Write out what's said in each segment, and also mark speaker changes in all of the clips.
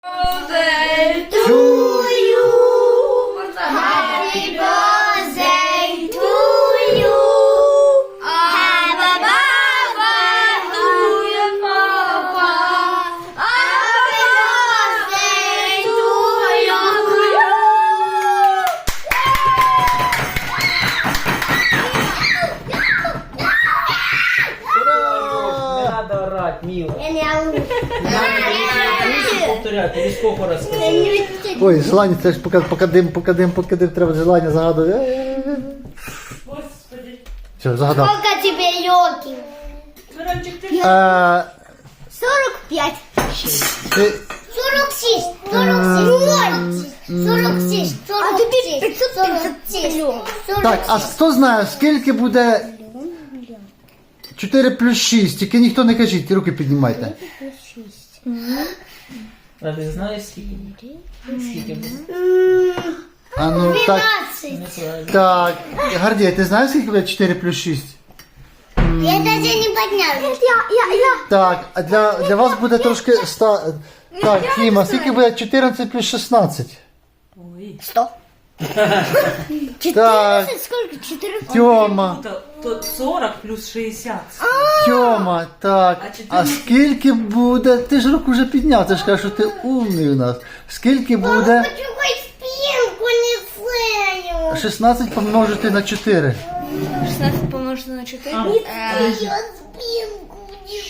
Speaker 1: birthday to you. Happy birthday to you. Have a birthday to your papa. Happy birthday to you.
Speaker 2: Не надо орать, мило.
Speaker 1: Я не ору.
Speaker 2: Повторяй, тобі сколько раз сказати?
Speaker 3: Ой, желання, це ж поки дим треба желання загадувати.
Speaker 2: Господи.
Speaker 3: Все, загадав.
Speaker 1: Сколько тебе лёгких?
Speaker 2: Миранчик, ти
Speaker 1: 45.
Speaker 3: Ти
Speaker 1: 46. 46. 46.
Speaker 3: Так, а хто знає, скільки буде 4 плюс 6? Тільки ніхто не кажіть, руки піднімайте.
Speaker 2: А ти знаєш скільки? Скільки буде?
Speaker 3: А ну так,
Speaker 1: 12.
Speaker 2: Неправильно.
Speaker 3: так. Гордій, ти знаєш, скільки буде 4 плюс 6?
Speaker 1: Я даже не поднял.
Speaker 3: Так, а для вас буде трошки... Так, Тіма, скільки буде 14 плюс 16?
Speaker 2: Ой.
Speaker 1: 100.
Speaker 3: Так,
Speaker 1: Сколько? 4.
Speaker 3: Тьома,
Speaker 2: То 40 плюс 60.
Speaker 3: Тьома, так. А скільки буде... Ти ж руку вже підняв, ти ж кажеш, що ти умний у нас. Скільки буде
Speaker 1: Почувай спинку, не знаю.
Speaker 3: 16 помножити на 4?
Speaker 4: 16 помножити на 4.
Speaker 1: Я спинку не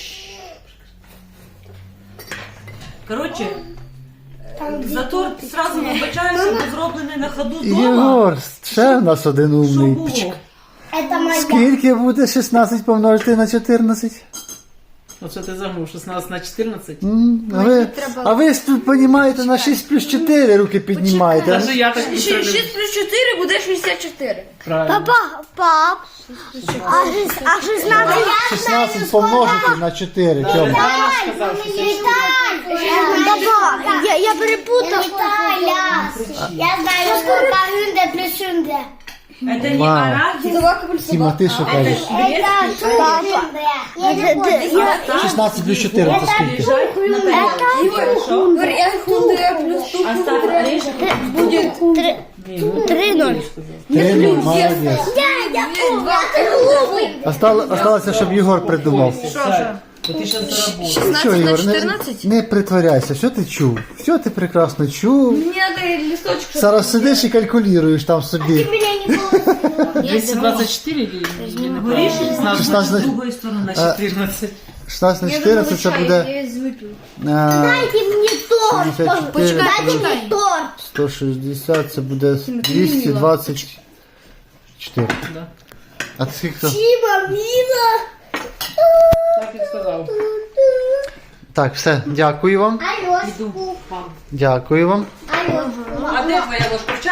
Speaker 2: Коротше, за торт сразу вибачаюся, бо зроблений на ходу дома.
Speaker 3: Єгор, ще в нас один
Speaker 2: Що
Speaker 3: умний.
Speaker 2: було?
Speaker 1: Это моя.
Speaker 3: Скільки буде 16 помножити на 14?
Speaker 2: Оце ти забув, 16 на 14.
Speaker 3: А ви розумієте, на 6 плюс 4 руки піднімаєте.
Speaker 2: Даже я так не
Speaker 4: 6 плюс 4 буде 64.
Speaker 2: Правильно.
Speaker 1: Пап. А 16?
Speaker 3: 16 помножити на 4, Тьома.
Speaker 2: Правильно сказав, що це
Speaker 1: Папа, я перепутал. Я знаю, сколько хунда плюс хунда.
Speaker 2: Это не
Speaker 3: Вау.
Speaker 2: арахис.
Speaker 3: Тіма, ти що кажеш?
Speaker 1: Это папа.
Speaker 3: 16 плюс 4 це скільки?
Speaker 2: Лежать на тарелке. Хорошо.
Speaker 4: Я худая плюс тут
Speaker 2: Оставь орешек.
Speaker 4: будет 3-0.
Speaker 3: 3, молодець. Осталося, щоб Єгор придумав.
Speaker 2: То ти зараз заработаєш.
Speaker 4: 16
Speaker 3: Що,
Speaker 4: на
Speaker 3: Єгор,
Speaker 4: 14?
Speaker 3: не притворяйся, що ти чув? Все ти прекрасно чув.
Speaker 4: Мне надо листочек, чтобы...
Speaker 3: Зараз сидиш і калькулюєш там собі.
Speaker 1: Меня не было.
Speaker 2: 224 или говоришь, 16 з другої сторони на 14.
Speaker 3: 16 на 14 це буде
Speaker 4: Я выпил.
Speaker 1: Дайте мне торт.
Speaker 3: 54,
Speaker 1: Дайте мне торт.
Speaker 3: 160, це буде 224.
Speaker 2: Да.
Speaker 3: А ти скільки?
Speaker 1: Тима, мила.
Speaker 2: Так і сказав.
Speaker 3: Так, все, дякую вам.
Speaker 1: Алёшку.
Speaker 2: Іду.
Speaker 3: Дякую вам.
Speaker 1: Алёшку.
Speaker 2: А де твоя ложка?